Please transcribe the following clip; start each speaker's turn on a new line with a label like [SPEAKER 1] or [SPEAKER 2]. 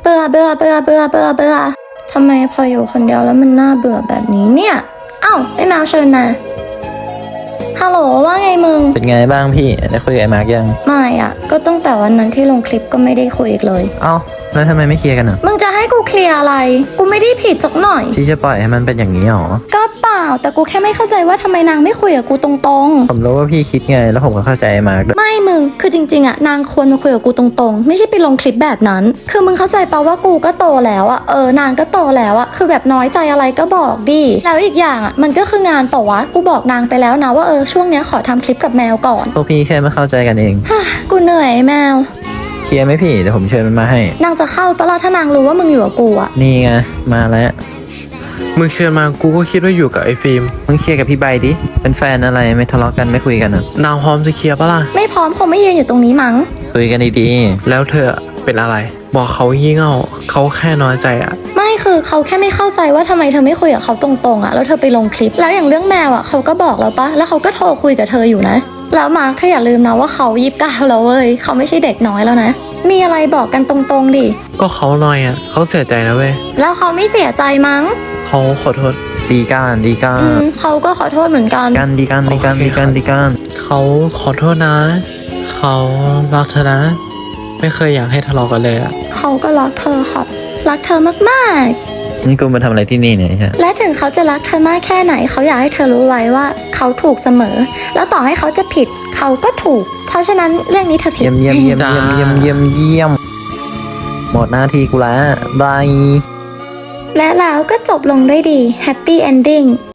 [SPEAKER 1] บื่อเบื่อเบื่อเบื่อเบื่อเบื่อทำไมพออยู่คนเดียวแล้วมันน่าเบื่อแบบนี้เนี่ยอ้าวไอ้แมวเชิญนะฮัลโหลว่าไงมึง
[SPEAKER 2] เป็นไงบ้างพี่ได้คุยกับไอ้มาร์กยัง
[SPEAKER 1] ไม่อ่ะก็ตั้งแต่วันนั้นที่ลงคลิปก็ไม่ได้คุยอีกเลย
[SPEAKER 2] เอ้าแล้วทำไมไม่เคลียร์กันอ่ะ
[SPEAKER 1] มึงจะให้กูเคลียร์อะไรกูไม่ได้ผิดสักหน่อย
[SPEAKER 2] ที่จะปล่อยให้มันเป็นอย่างนี้หรอ
[SPEAKER 1] ก็เปล่าแต่กูแค่ไม่เข้าใจว่าทำไมนางไม่คุยกับกูตรง
[SPEAKER 2] ๆผมรู้ว่าพี่คิดไงแล้วผมก็เข้าใจไอ้มาร์กด้วย
[SPEAKER 1] ไม่มึงคือจริงๆอ่ะนางควรมาคุยกับกูตรงๆไม่ใช่ไปลงคลิปแบบนั้นคือมึงเข้าใจเปล่าว่ากูก็โตแล้วอ่ะนางก็โตแล้วอ่ะคือแบบน้อยใจอะไรก็บอกดิแล้วอีกอย่างอ่ะมันก็คืองานเปล่าวะกูบอกนางไปแล้วนะว่าช่วงเนี้ยขอทำคลิปกับแมวก่อน
[SPEAKER 2] พวกพี่แค่ไม่เข้าใจกันเอง
[SPEAKER 1] กูเหนื่อยแมว
[SPEAKER 2] เคลียร์ไหมพี่เดี๋ยวผมเชิญมันมาให้
[SPEAKER 1] นางจะเข้าปะล่ะถ้านางรู้ว่ามึงอยู่กับกูอ่ะ
[SPEAKER 2] นี่ไงมาแล้ว
[SPEAKER 3] มึงเชิญมากูก็คิดว่าอยู่กับไอ้ฟิล์ม
[SPEAKER 2] มึงเคลียร์กับพี่ใบดิเป็นแฟนอะไรไม่ทะเลาะกันไม่คุยกันอ่ะ
[SPEAKER 3] นางพร้อมจะเคลียร์ปะล่ะ
[SPEAKER 1] ไม่พร้อมคงไม่ยืนอยู่ตรงนี้มั้ง
[SPEAKER 2] คุยกันดี
[SPEAKER 3] แล้วเธอเป็นอะไรบอกเขายี่เง่าเขาแค่น้อยใจอ่ะ
[SPEAKER 1] ไม่คือเขาแค่ไม่เข้าใจว่าทำไมเธอไม่คุยกับเขาตรงๆอ่ะแล้วเธอไปลงคลิปแล้วอย่างเรื่องแมวอ่ะเขาก็บอกแล้วปะแล้วเขาก็โทรคุยกับเธออยู่นะแล้วมาร์คเธออย่าลืมนะว่าเขา29แล้วเว้ยเขาไม่ใช่เด็กน้อยแล้วนะมีอะไรบอกกันตรงๆดิ
[SPEAKER 3] ก็เขาน้อยอ่ะเขาเสียใจนะเว้ย
[SPEAKER 1] แล้วเขาไม่เสียใจมั้ง
[SPEAKER 3] เขาขอโทษ
[SPEAKER 2] ดีกัน
[SPEAKER 1] เขาก็ขอโทษเหมือนกัน
[SPEAKER 2] ดีกัน
[SPEAKER 3] เขาขอโทษนะเขารักเธอนะไม่เคยอยากให้ทะเลาะกันเลยอ่ะ
[SPEAKER 1] เขาก็รักเธอค่ะรักเธอมาก
[SPEAKER 2] ๆนี่กูมาทำอะไรที่นี่เนี่ยฮะ
[SPEAKER 1] และถึงเขาจะรักเธอมากแค่ไหนเขาอยากให้เธอรู้ไว้ว่าเขาถูกเสมอแล้วต่อให้เขาจะผิดเขาก็ถูกเพราะฉะนั้นเรื่องนี้เธอผิด
[SPEAKER 2] เยี่ยมหมดหน้าที่กูแล้วบาย
[SPEAKER 1] และแล้วก็จบลงด้วยดี Happy Ending